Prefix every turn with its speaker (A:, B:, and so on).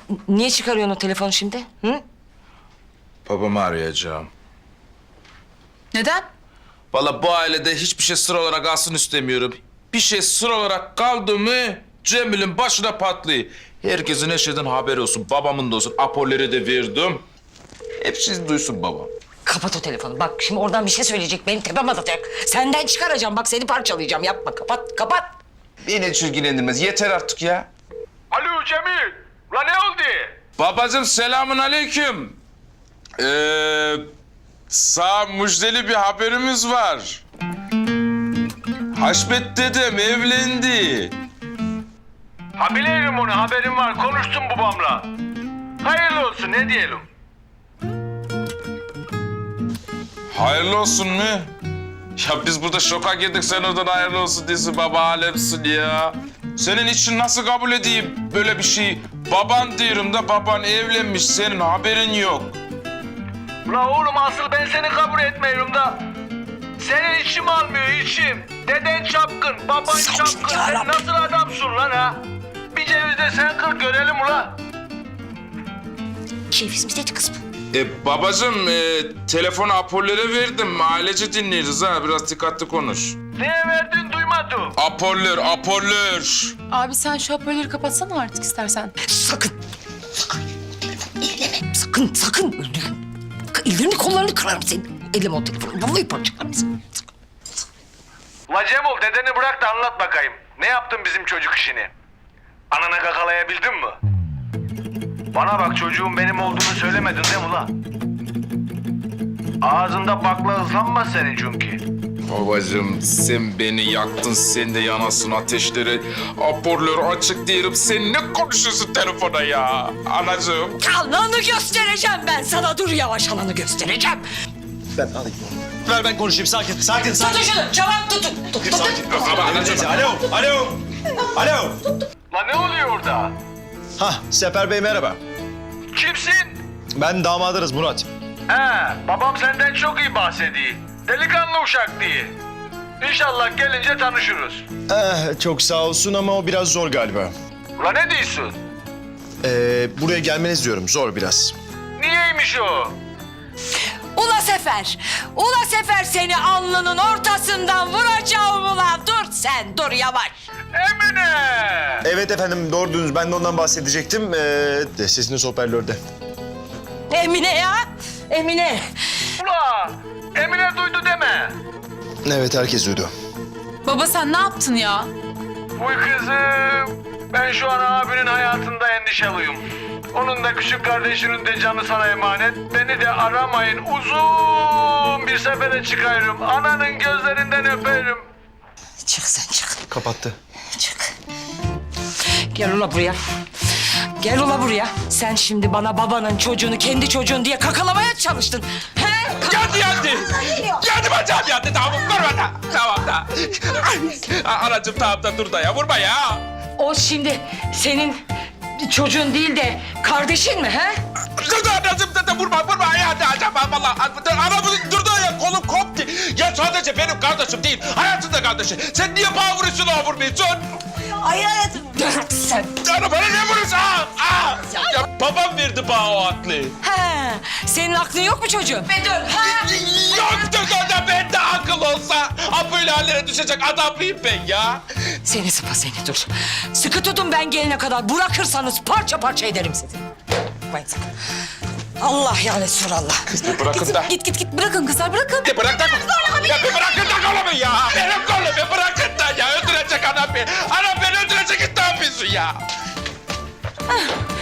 A: Niye çıkarıyorsun o telefonu şimdi? Hı?
B: Babamı arayacağım.
C: Neden?
B: Vallahi bu ailede hiçbir şey sır olarak kalsın istemiyorum. Bir şey sır olarak kaldı mı Cemil'in başına patlıyor. Herkesin her şeyden haberi olsun. Babamın da olsun. Apolleri de verdim. Hepsi duysun babam.
A: Kapat o telefonu. Bak şimdi oradan bir şey söyleyecek. Benim tepem atacak. Senden çıkaracağım. Bak seni parçalayacağım. Yapma. Kapat. Kapat.
B: Beni hiç ilgilendirmez. Yeter artık ya.
D: Alo Cemil. La ne oldu?
B: Babacığım selamun aleyküm. Sağ müjdeli bir haberimiz var. Haşmet dedem evlendi.
D: Ha biliyorum onu, haberim var. Konuştum babamla. Hayırlı olsun, ne diyelim?
B: Hayırlı olsun mu? Ya biz burada şoka girdik, sen oradan hayırlı olsun diyorsun, baba alemsin ya. Senin için nasıl kabul edeyim böyle bir şey? Baban diyorum da baban evlenmiş, senin haberin yok.
D: La oğlum asıl ben seni kabul etmiyorum da. Senin içim almıyor, içim. Deden çapkın, baban çapkın. Sen nasıl adamsın lan ha? Bir ceviz de sen kır görelim ula.
A: Keyfimiz dedi kız bu.
B: Babacığım telefonu Apoller'e verdim, ailece dinleriz ha, biraz dikkatli konuş.
D: Neye verdin duymadım.
B: Apoller.
C: Abi sen şu hoparlörü kapatsana artık istersen.
A: Sakın. Sakın. Elleme. Sakın. Öldürürüm. Ellerini kollarını kırarım senin. Elleme o telefonu. Vallahi parçalarım seni.
D: La Cemil dedeni bırak da anlat bakayım. Ne yaptın bizim çocuk işini? Anana kakalayabildin mi? Bana bak çocuğun benim olduğunu söylemedin değil mi la? Ağzında bakla ıslanmaz senin çünkü.
B: Babacığım sen beni yaktın, sen de yanasın ateşleri. Aporları açık diyelim, sen ne konuşuyorsun telefona ya? Anacığım.
A: Ananı göstereceğim ben sana. Dur yavaş ananı göstereceğim.
E: Ben alayım. Ver ben konuşayım. Sakin.
A: Tutun şunu. Çabuk tutun.
E: Sakin.
B: Ama anacığım.
E: Alo.
D: La ne oluyor orada?
E: Hah, Sefer Bey merhaba.
D: Kimsin?
E: Ben damadınız Murat.
D: He, babam senden çok iyi bahsediyor. Delikanlı uşak diye. İnşallah gelince tanışırız.
E: Çok sağ olsun ama o biraz zor galiba.
D: La ne diyorsun?
E: Buraya gelmeniz diyorum. Zor biraz.
D: Niyeymiş o?
A: Ula Sefer seni alnının ortasından vuracağım ulan. Dur sen, dur yavaş.
D: Emine!
E: Evet efendim doğru duydunuz. Ben de ondan bahsedecektim. Sesiniz hoparlörde.
A: Emine ya, Emine.
D: Ula! Emine duydu deme.
E: Evet herkes duydu.
C: Baba sen ne yaptın ya?
D: Uy kızım. Ben şu an abinin hayatında endişeliyim. Onun da küçük kardeşinin de canı sana emanet. Beni de aramayın. Uzun bir sefere çıkarım. Ananın gözlerinden öperim.
A: Çık sen çık,
E: Kapattı.
A: çık. Gel ula buraya. Gel ula buraya. Sen şimdi bana babanın çocuğunu kendi çocuğun diye kakalamaya çalıştın. He?
B: Geldi. Geldi bacağım geldi. Tamam vurma da. Tamam da. Anacığım tamam da dur da ya, vurma ya.
A: O şimdi senin çocuğun değil de kardeşin mi he?
B: Dur da anacığım da vurma ya. Acaba vallahi. Anamın durdu ya, kolum koptu. Ya sadece benim kardeşim değil, hayatın da kardeşi. Sen niye bana vuruyorsun, o vurmuyorsun?
A: Hayır hayatım. Sen.
B: Canım bana ne vuruyorsun? Ya babam verdi bana o aklı.
A: He, senin aklın yok mu çocuğum? Dur. Ha?
B: Yoktu da bende akıl olsa. Ha böyle hallere düşecek adam mıyım ben ya?
A: Seni sıpa seni dur. Sıkı tutun ben gelene kadar. Bırakırsanız parça parça ederim sizi. Vay sakın. Allah ya Resulallah.
B: Kız bir bırakın da.
C: Git bırakın kızlar bırakın.
B: Bir bırak da. Ya bir bırakın da kolumu ya. Benim kolumu bırakın da ya. Öldürecek anam beni. Anam beni öldürecek, ne yapıyorsun ya?